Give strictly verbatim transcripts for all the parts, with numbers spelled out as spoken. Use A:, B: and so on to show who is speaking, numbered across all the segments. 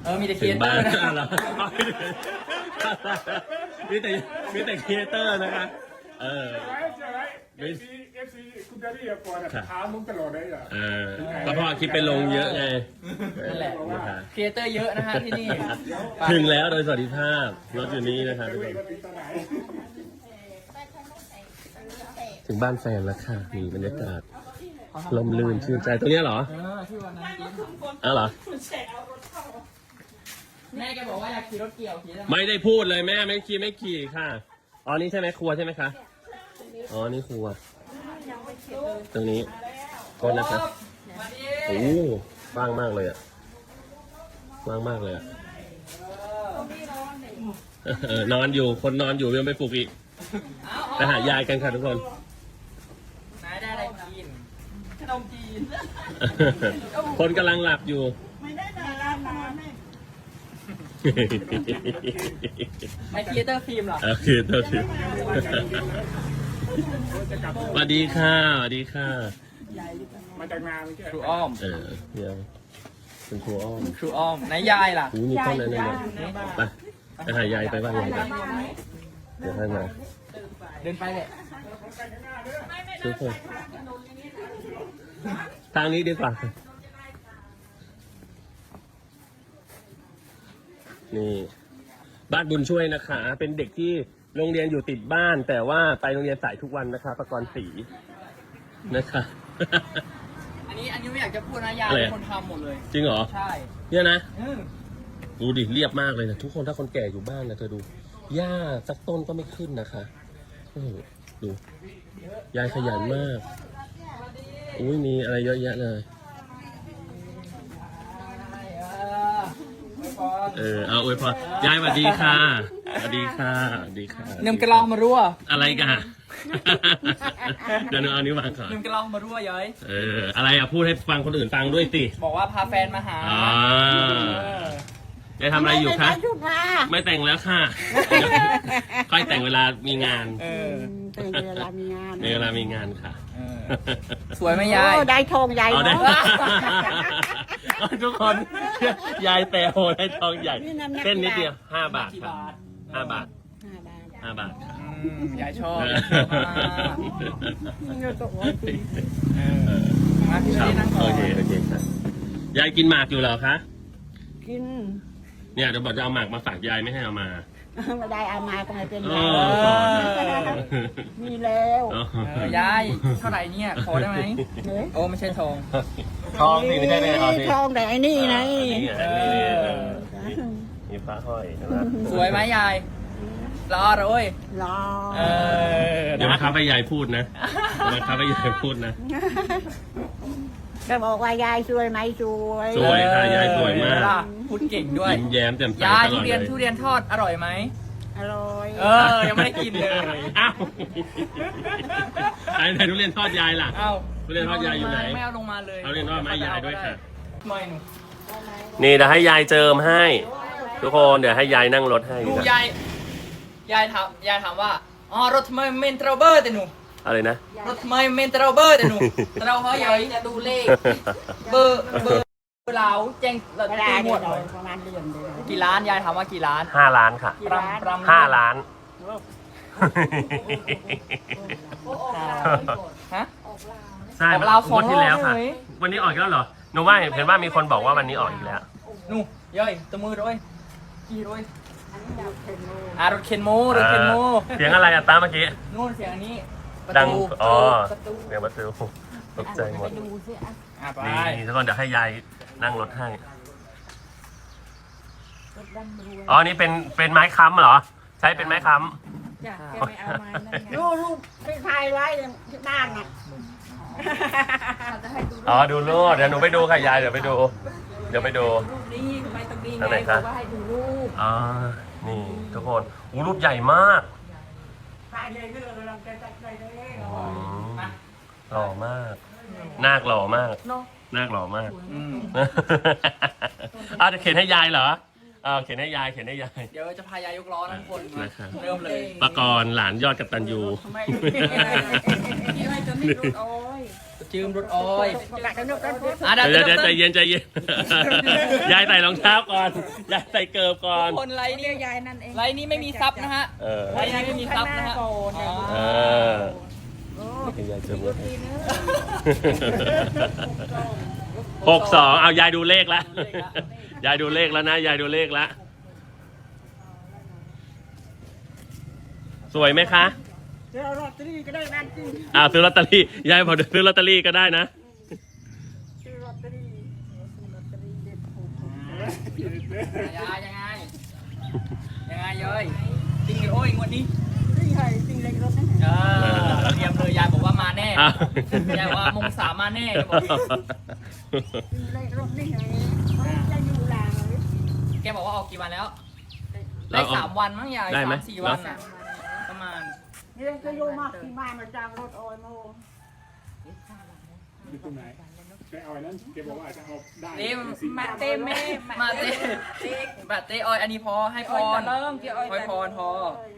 A: อมีแต่ค
B: ถึ
A: รี
B: ง
A: เอเตอ
B: บ้าน
A: ร์นะ
B: แล้วมีแต่มีแต่ครีเอเตอร์นะคะเออ
C: เอฟซีเอฟซีคุณดารี่ก่อนถามมึงตลอดเลยอ่ะ
B: เออก็เพราะคลิปไปลงเยอะไง
A: นั่นแหละครีเอเตอร์เยอะนะฮะที่นี่
B: ถึงแล้วโดยสวัสดิภาพรถอยู่นี่นะครับทุกคนถึงบ้านแฟนแล้วค่ะมีบรรยากาศลมลื่นชื่นใจตรงนี้เหรอ
A: เออที่วันนั้นกิน
B: อ้าวเหรอ
A: แม่แกบอกว่าอยากขี่รถเกี่ยวขี่ได้ไหม
B: ไม่ได้พูดเลยแม่ไม่ขี่ไม่ขี่ค่ะอ๋อนี่ใช่ไหมครัวใช่ไหมคะอ๋อนี่ครัวตรงนี้โทษนะครับโอ้ว่างมากเลยอ่ะว่างมากเลยอ่ะเออนอนอยู่คนนอนอยู่ยังไปปลุกอีกไปหายายกันค่ะทุกคน
A: นายได้อะไรกินขนมจีน
B: คนกำลังหลับอยู่
D: ไม่ได้ดารามาแม่
A: ไอครีเอเตอร์ฟิล์มเหรอ
B: โอเคโอเคสวัสดีค่ะสวัสดีค่ะ
C: มาจากนาไม่ใช่
A: ครูอ้อม
B: เออเดี๋ยวเป็นครูอ้อม
A: ครูอ้อมไหนยายล่ะ
B: อู้มีต้นอะไรเนี่ยไปไปหายายไปบ้านยายไปเดี๋ยวให้มา
A: เดินไปเลย
B: ทุกคนทางนี้ดีกว่านี่บ้านบุญช่วยนะคะ เป็นเด็กที่โรงเรียนอยู่ติดบ้าน แต่ว่าไปโรงเรียนสายทุกวันนะคะประกรณ์ศรีนะคะ
A: อันนี้อันนี้ไม่อยากจะพูดนะยาย
B: อะไร
A: เป็นคนทำหมดเลย
B: จริงเหรอ
A: ใช่
B: เนี่ยนะ
A: อืม
B: ดูดิเรียบมากเลยนะทุกคนถ้าคนแก่อยู่บ้านนะเธอดูหญ้าสักต้นก็ไม่ขึ้นนะคะโอ้โหดูยายขยันมากอุ้ยมีอะไรเยอะแยะเลย เออเอาอวยพรยายสวัสดีค่ะสวัสดีค่ะสวัสดีค่ะ
A: นึ่มกระลองมารั่ว
B: อะไรกัน เดี๋ยวหนูเอานิ้ววางก่อน
A: นึ่มกระลองมารั่วย้อย
B: เอออะไรอ่ะพูดให้ฟังคนอื่นฟังด้วยสิ
A: บอกว่าพาแฟนมาหา
B: อ่า
A: เออ
B: ยายทำอะไรอยู่คะ
D: ชุดผ้า
B: ไม่แต่งแล้วค่ะค่อยแต่งเวลามีงาน
A: เออ
D: เป็นเวลามีงาน
B: ในเวลามีงานค่ะ
A: เออ สวยไหมยาย
D: โอ้ได้ทองใหญ่
B: เอาได้
D: เนาะ
B: ทุกคน ยายแต่โหได้ทองใหญ่ เส้นนิดเดียวห้าบาทครับห้าบาท
D: ห้าบาท
B: ห้าบาทค่ะ
A: อืมยายชอบ
B: เออย
A: ายชอบมาก
D: เงินตกร้อยปี
A: เออมาพี่
B: ค
A: ไม่
B: รับ
A: ได้นั่งก่
B: โอ
A: อน
B: เคโอเคครับยายกินหมากอยู่เหรอคะ
D: กิน
B: เนี่ยเดี๋ยวบอกจะเอาหมากมาฝากยายไม่ให้เอามา
D: ไม่ได้เอามาก็ไม่เป็น
B: เอ
D: ไร
B: อก่อนนะ
D: มีแล้ว
B: อ๋อ
A: เออยายเท่าไหร่เนี่ยขอได้ไหม
D: เฮ้ย
A: โอ้ไม่ใช่ทอง
B: ทองสิไม่ใช่เลยทองสิ
D: ทองแต่ไอ้นี่ไง
B: นี่ไงนี่นี่เออนี่มีพระห้อยนะ
A: สวยไหมยายรอเลย
D: รอ
A: เออ
B: เดี๋ยวมาครับให้ยายพูดนะเดี๋ยวมาครับให้ยายพูดนะ
D: ก็บอกว่ายายสวยไหมสวย
B: สวยค่ะยายสวยมาก
A: ล่ะพูดเก่งด้วย
B: ยิ้มแย้มแจ่มใส
A: ยาย
B: ตล
A: ทุ
B: อด
A: เรียน
B: เลย
A: ทุเรียนทอดอร่อยไหม
D: อร่อย
A: เออยังไม่ได้กินเลย
B: อ้าวไอ้ไหนทุเรียนทอดยายล่ะ
A: เอ้า
B: ทุเรียนทอดยายอยู่ไหน
A: ไม่เอาลงมาเลย
B: เอาทุเรียนทอดมาให้ยายด้วยค่ะ
A: ไม่หนู
B: นี่เดี๋ยวให้ยายเจิมให้ ทุกคนเดี๋ยวให้ยายนั่งรถให้
A: ดู
B: นะ
A: ยายยายถามยายถามว่าอ๋อรถทำไมเมนเทรเบอร์แต่หนู
B: อะไรนะ
A: รถทำไมเมนเทรเบอร์แต่หนูเราเขาใหญ่จะดูเลขเบอร์เบอร์เราแจ้งเรา
D: เว
A: ตี
D: ลา
A: หม
D: เนี่
A: ด
D: ยประมาณเดือนเดียว
A: กี่ล้านยายถามว่ากี่ล้าน
B: ห้าล้านค่ะ
A: ปรำปรำ
B: ห้าล้าน
A: ฮะ
B: ใช่
A: ออกลาวสอง
B: วันที่แล้วค่ะ
A: รอบเลย
B: วันนี้ออกอีกแล้วเหรอหนูว่าเห็นว่ามีคนบอกว่าวันนี้ออกอีกแล้ว
A: นู่ย่อยตะมือด้วยกี่ด้วยอ่ารถเข็นโมรถเข็นโม
B: เสียงอะไรอะตาเมื่อกี้
A: นู่นเสียงอันนี้ประ
B: ดัง
A: ตู
B: อ๋อ
A: ประตู
B: เสียงประตูตกใจหมด
D: ดูสิอ่ะ
A: อ่ะไป
B: นี่ทุกคนเดี๋ยวให้ยายนั่งรถให้ อ๋อ นี่เป็น เป็นไม้ค้ำเหรอ ใช้เป็นไม้ค้
D: จ้ะแกไม่เอามานั่นไงรูปรูปที่ถ่ายไว้ที่บ้านน่ะ
B: ำอ๋อ ดูรูปเดี๋ยวหนูไปดูค่ะยาย เดี๋ยวไปดู เดี๋ยวไปดู
D: รูปนี้ทำไมต้องดี
B: อัน
D: ไง
B: ไหน
D: บ
B: คะ
D: อกว่าให้ดูรูป
B: อ๋อ นี่ทุกคนอู้รูปใหญ่มาก
D: ถ่ายเลยเรื่องเราจะจัดใจเลย
B: อืมหล่อมาก นาคหล่อมาก
A: เนาะ
B: นาคหล่อมาก
A: อืม
B: อ้าวจะเขียนให้ยายเหรออ่าเขียนให้ยาย เขียนให้ยาย
A: เดี๋ยวจะพายายยกล้อทั้งคนมา
B: นะครับ
A: เริ่มเลย
B: ปะกรณ์หลานยอดกัปตันยู
D: ทำไมที่อะไรจะไม่รู้โอ้ย
A: จืมรถออย
D: กะจะนึกกันพูด
A: อ่ะ
B: เดี๋ยว
A: เดี๋
B: เดี๋
A: ย
B: ยว วใจเย็นใจเย็น ยายใส่รองเท้าก่อน ยายใส่เกิบก่อน
A: คนไลน์
D: เรี
A: นี่
D: ยกยายนั่นเอง
A: ไลน์นี้ไม่มีซับนะฮะ
B: เออ
A: ไลน์นี้ไม่มีซับนะฮะ
D: โอ้โห
B: เออนี่ยายเจอหมดหกสองเอายายดูเลขแล้ว ยายดูเลขแล้วนะ ยายดูเลขแล้ว สวยไหมคะ
D: เดี๋ยวลอตเตอรี่ก็ได้นั่นจริง
B: อ่าซื้อลอตเตอรี่ ยายบอกเดี๋ยวซื้อลอตเตอรี่ก็ได้นะ
D: ซื้อลอตเตอรี่ซื้อลอตเตอรี่เด็ดถูก
A: ยายยังไงยังไงเย้ยจริงหรือโอ้ยงวดนี้
D: จริงไงจริงเล็กรถนั่น
A: เออเตรียมเลยยายบอกว่ามาแน่
B: อ้าว
A: ยายว่ามงสามมาแน่บอก
D: จริงเล็กรถนี่ไงเขาจะอยู่หลังเลย
A: แกบอกว่าออกกี่วันแล้ว
B: แล้
A: ได้
B: วเอา
A: สามวันมั้งยาย
B: ได้ไหม
A: สามสี่วันน่ะประมาณ
D: นี่ก็โยมากที่บ้านมาจากรถออยโม
C: อยู่ตรงไหนแกเอาไอ้นั้นแกบอกว่าจะเอาได้
A: เต็ม
D: มาเต็มแม่
A: มาเต้มาเต้ออยอันนี้พอให้พร
D: เริ่มเกี่ยวออย
A: ออยพรพอ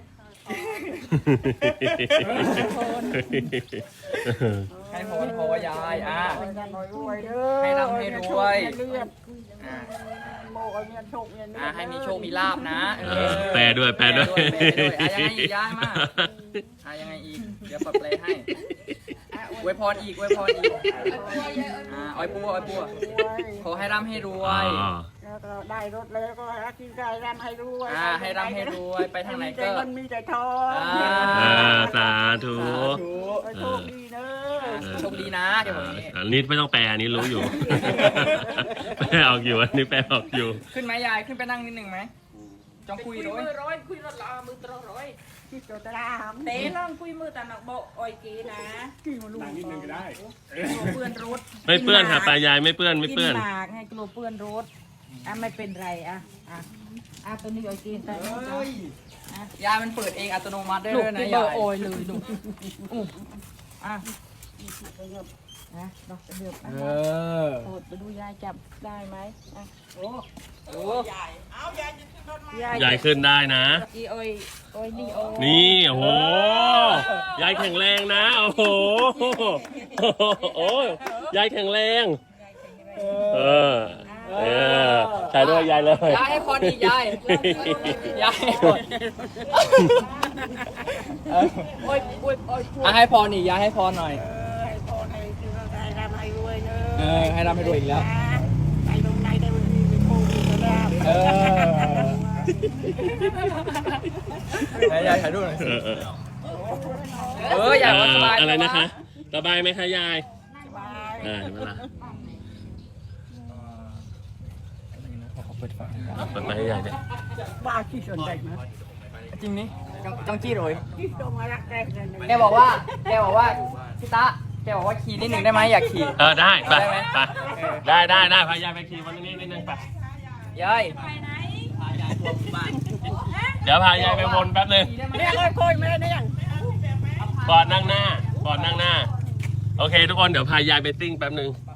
A: ให้พรพอยายอ่ะ ให้ร่ำให้รวย อ่ะ
D: โมเอาเงินโชคเงิน
A: อ่ะให้มีโชคมีลาบนะเอ
B: เอ
A: อ
B: อแปลด้วยแปลด้วย
A: แปลด้วยอ่ะยังไงอีกย้ายมาอ่ะยังไงอีกเดี๋ยวปรับแปลให้อวยพรอีกอวยพรอีกอ่ะออยปัวออยปัวขอให้ร่ำให้รว
B: อ๋
A: ย
B: อ
D: แล้วก็ได้รถแล้วก็รักกินไก่ร่ำให้รวย
A: อ่าให้ร่ำให้รวยไปทางไหนก็
D: มีแต่เงินมีแต่ทอง
A: อ่า
B: เออสาธุ
D: โชคดีเนอะ
A: โชคดีนะเดี๋ยวบอกอย่างนี้
B: อันนี้ไม่ต้องแปลอันนี้รู้อยู่ แปลออกอยู่อันนี้แปลออกอยู่
A: ขึ้นไหมยายขึ้นไปนั่งนิดหนึ่งไหมจองคุย
E: คุย
A: ด้ว
E: มื
A: ย
E: อร้อยคุยรถลามือตรร้อย
D: ที่โจตราม
E: เตะลองคุยมือตาหนักโบออยกีนะ
D: กี่มาลูก
C: นั่งนิดนึงก็ได้
E: กลัวเปื้อนรถ
B: ไม่เปื้อนค่ะปลายายไม่เปื้อนไม่เปื้อน
E: กินหมากให้กลัวเปื้อนรถอ่ะไม่เป็นไรอ่ะอ่ะอ่ะตัวนี้ออยกีแต่
A: เฮ้ยยายมันเปิดเองอัตโนมัติได้
E: ลู
A: เล
E: ก
A: ยนะ
E: ที่เบอย
A: า
E: ร์
A: ย
E: โอยเลยลูกอู้อ่ะนะดอกเดือบ
A: เออ
E: โอดไปดูยายจับได้ไหมอ่ะโอ้
A: โอ้
B: ยายขึ้นได้นะ
E: กีออยออยนี่โอ
B: นี่โอ้โห ยายแข็งแรงนะ โอ้โห โอ้ยยายแข็งแรง เออ เออใส่ด้วยยายเลย
A: ยายให้พรอีกยายยายให้พร
E: โอยโอยโอย
A: อ่ะให้พรอีกยายให้พรหน่อย
D: ให้พ่อให้คือได้ร่ำให้รวยเน
A: เอ
D: อะ
A: อให้ร่ำให้รวยอีกแล้ว
D: ไปตรงไหนได้วันนี้มีโชคมีลาภ
A: เออ ยายถ่ายรูปหน่อย
B: เอ
A: สิ
B: อเออ
A: เออยายว่าสบาย
B: อะไรนะคะ สบายไหมคะยาย
D: สบาย
B: อ่าเห็นไหมล่ะ
A: เปิดฝา
B: เปิดไปให้ยายเนี่ย
D: บ้าที่สนใจไหม
A: จริงนี่จังจังจี้เลย
D: ที่ตรงมารักแรกเลยนะ
A: แกบอกว่า แกบอกว่าพี่ตะแกบอกว่าขี่นิดหนึ่งได้ไหมอยากขี่
B: เออได้ไป
A: ได้ไหม
B: ไปได้ได้ได้พายายไปขี่วันนี้นิดนึงไป
A: ยาย
B: เดี๋ยวพายายไปวนแป๊บนึง
D: เนี่ยเลยคุยไม่ได้เนี่ย
B: ก่อนนั่งหน้าก่อนนั่งหน้า โอเค ทุกคนเดี๋ยวพายายไปซิ่งแป๊บนึง
A: โ